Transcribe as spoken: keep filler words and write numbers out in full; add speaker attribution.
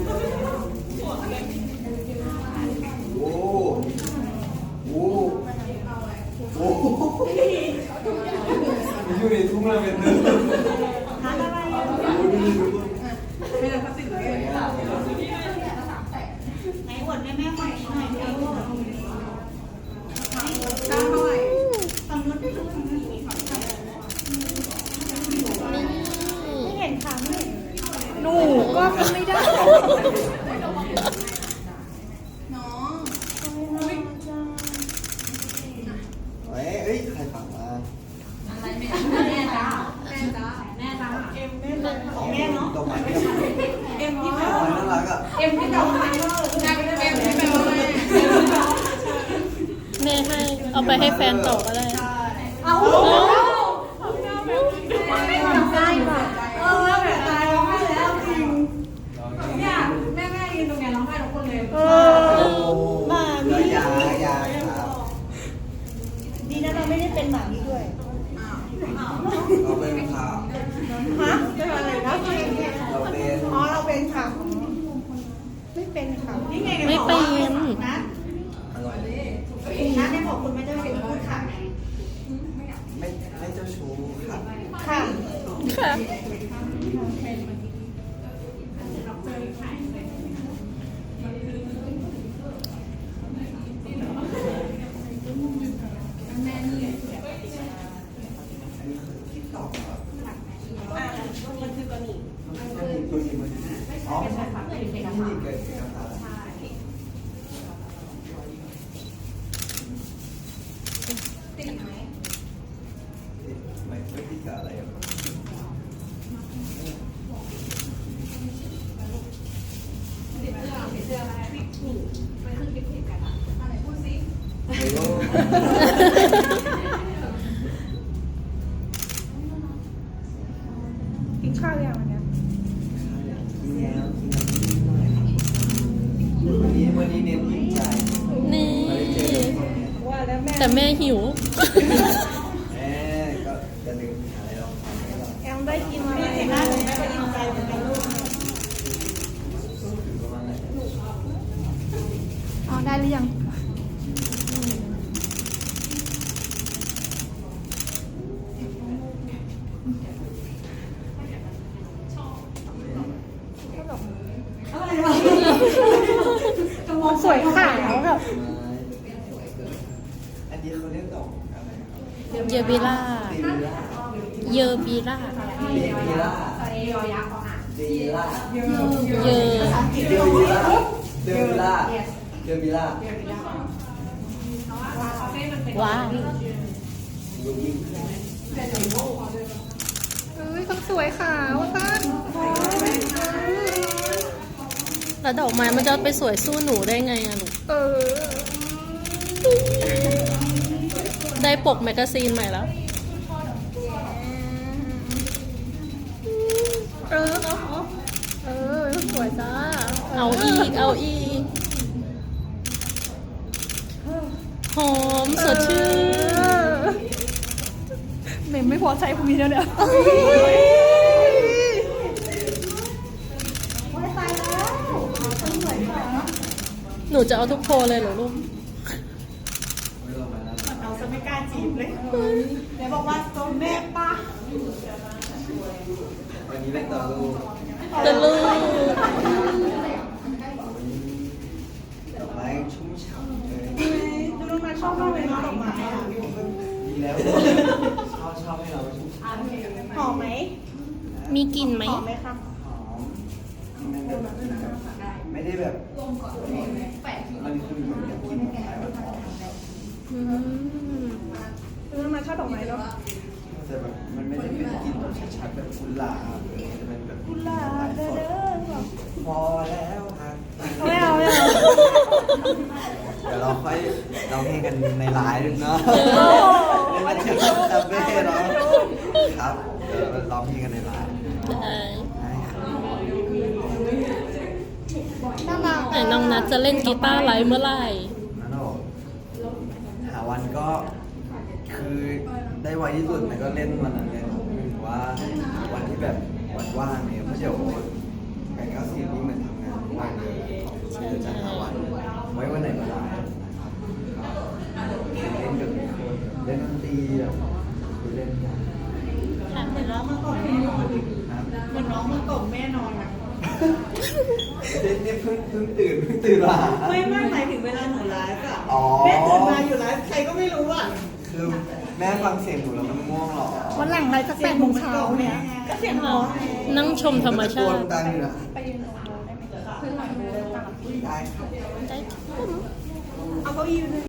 Speaker 1: โอ้โหโอ้โหอยู่ในทุ่งลาเวนเดอร์
Speaker 2: ทานอะไรอ่ะไม่ได้พัสดุเลยไหนอวดแม่แม่คนนี้หน่อยเร็วเก้าเท่าไหร่ฝั่งนู้นไม่รู้ฝั่งนู้นไม่เห็นค่ะไม่เห็นหนูก็ไม่ได้น้อง
Speaker 1: เฮ้ยเอ้ยใครฝังมา
Speaker 2: อะไรแม่แม่จ้าแม่จ้าแม่จ้าเอ็มแม่เลยแม่เนาะ
Speaker 1: ดอกไม้เ
Speaker 2: เอ็มที่แบ
Speaker 1: ดอบกไม้น่ารักอ่ะ
Speaker 2: เอ็มที่ดอกไม้ก็เอ็มที่แบบ
Speaker 3: แม่ให้เอาไปให้แฟนต่อก็ได้
Speaker 2: เอาใช่ป่ะเออแบบตายร้องไห้แล้วจริงเนี่ยแม่แม่ยืนตรงนี้ร้องไห้ทุกคนเลยเออมามี
Speaker 1: ยายาครับ
Speaker 2: ดีนะเราไม่ได้เป็นหมานี้ด้วย
Speaker 1: เราเป็นข่าว
Speaker 2: ฮะเป็นอะไรนะ
Speaker 1: เราเป็น
Speaker 2: อ๋อเราเป็นค่ะไม่เป็นค่ะนี่ไง
Speaker 3: ไม่เป็น
Speaker 2: นะ
Speaker 1: อร่อยเลย
Speaker 2: นะได้บอกคุณไม่ได้เป็นพูดค่ะ
Speaker 1: ไม่ไม่เจ้าชู้ค่ะ
Speaker 2: ค่ะ
Speaker 3: ค่ะ
Speaker 2: มันคือกระหนี่
Speaker 1: อ๋อไม่ใช่ค่ะที่นี่เกิดเกิดกับตา
Speaker 2: ติดไหม
Speaker 1: ไม่ไม่ติดกับอะไรอ่ะ
Speaker 2: ติดเสื้อติดเสื้ออะไรติดหนีไปขึ้นคลิปติดกันอะอะไรพูดสิกินข้าวยังวันนี้
Speaker 1: กินแล้วกินแล้ววันนี้วันนี้เน้นอิ่มใจ
Speaker 3: นี่
Speaker 1: ไม่ได้เจอทุกคนเนี่ย
Speaker 2: ว่าแล้วแม่
Speaker 3: แต่แม่หิว
Speaker 1: แม่ก็จะลืมหาอะไรลองทำให้เรา
Speaker 2: แอมได้กินอะไรนะแม่ก็อิ่มใจเหมือนกันลูก
Speaker 1: ถึงประมาณไหน
Speaker 3: อ๋อได้หรือยังสวยขาวแบบ
Speaker 1: อันนี้เขาเรียกดอกอะไรครับ
Speaker 3: เยบิล่า
Speaker 1: เดวิล่า
Speaker 3: เยบิล่า
Speaker 1: เดวิล่าเดวิล่าเดวิล่า
Speaker 3: เย
Speaker 1: เดวิล่าเดวิล่าเดวิล่า
Speaker 3: ว้าว
Speaker 1: ลูบิง
Speaker 3: เอ้ยต้องสวยขาวสั้นแล้วดอกไม้มันจะไปสวยสู้หนูได้ไงอะหนูเออ ได้ปกแมกกาซีนใหม่แล้ว เออ เออ สวยจ้า เอาอีก เอาอีก หอมสดชื่นเมมไม่พอใช้พวกนี้แล้วเนี่ยหนูจะเอาทุกโพลเลยเหรอลูก
Speaker 1: ไม่ต้องมาแล้ว
Speaker 2: เราจะไม่กล้าจีบเลยเดี๋ยวบอกว่าตัวแม่ป้า
Speaker 1: วันนี้เล่นต่อลูก
Speaker 3: จะลูก
Speaker 1: ดอกไม้ชุ่มฉ่ำเลย
Speaker 2: ดูน้องมาชอบมากเลยนะดอกไม้อะ
Speaker 1: ดีแล้วชอบชอบให้เราชุ่มฉ่ำ
Speaker 2: หอมไหม
Speaker 3: มีกลิ่นไหม
Speaker 2: หอมไหมคะ
Speaker 1: หอมไม่แบบไม่ได้แบบมันคือเหมือนกับกินดอกไม้แบบหอม
Speaker 3: อืม
Speaker 2: ดูน้องมาชอบดอกไม้เนาะ
Speaker 1: แต่แบบมันไม่ได้เป็นกลิ่นแบบชัดๆแบบกุหลาบหรือจะเป็นแบบ
Speaker 2: กุหลาบเด้อเด้อ
Speaker 1: พอแล้วครับ
Speaker 2: ไม่เอาไม่เอา
Speaker 1: เดี๋ยวเราค่อยเราเพลงกันในไลฟ์เนาะไม่มาเจอคาเฟ่เนาะครับเดี๋ยวเราร้องเพลงกันในไลฟ์
Speaker 3: ได้
Speaker 1: ได้ครับ
Speaker 2: น่ารัก
Speaker 3: ไหนน้องนัดจะเล่นกีตาร์ไลฟ์เมื่อไหร่
Speaker 1: นั่นหรอหาวันก็คือได้ไวที่สุดมันก็เล่นวันนั้นเลยหรือว่าวันที่แบบวันว่างเนี่ยเพราะเดี๋ยวแปดเก้าสิบนี่เหมือนทำงานทุกวันนี่นี่เพิ่งเพิ่งตื่นเพิ่งตื่นมา
Speaker 2: ไม่ไม่หมายถึงเวลาหนูไลฟ์อะ
Speaker 1: อ๋อ
Speaker 2: แม่ตื่นมาอยู่ไลฟ์ใครก็ไม่รู้อะ
Speaker 1: คือแม่ฟังเสียงหนูแล้วมันง่วงเหรอ
Speaker 3: วันหลังอะไรสักแปดโมงเช้าเนี่ย
Speaker 2: ก็เสียงน้อง
Speaker 3: นั่งชมธรรมชาติ
Speaker 1: ตะโกนดังอยู่นะได้ครับ
Speaker 3: ได้
Speaker 2: เอาเก้าอี้ไปเลย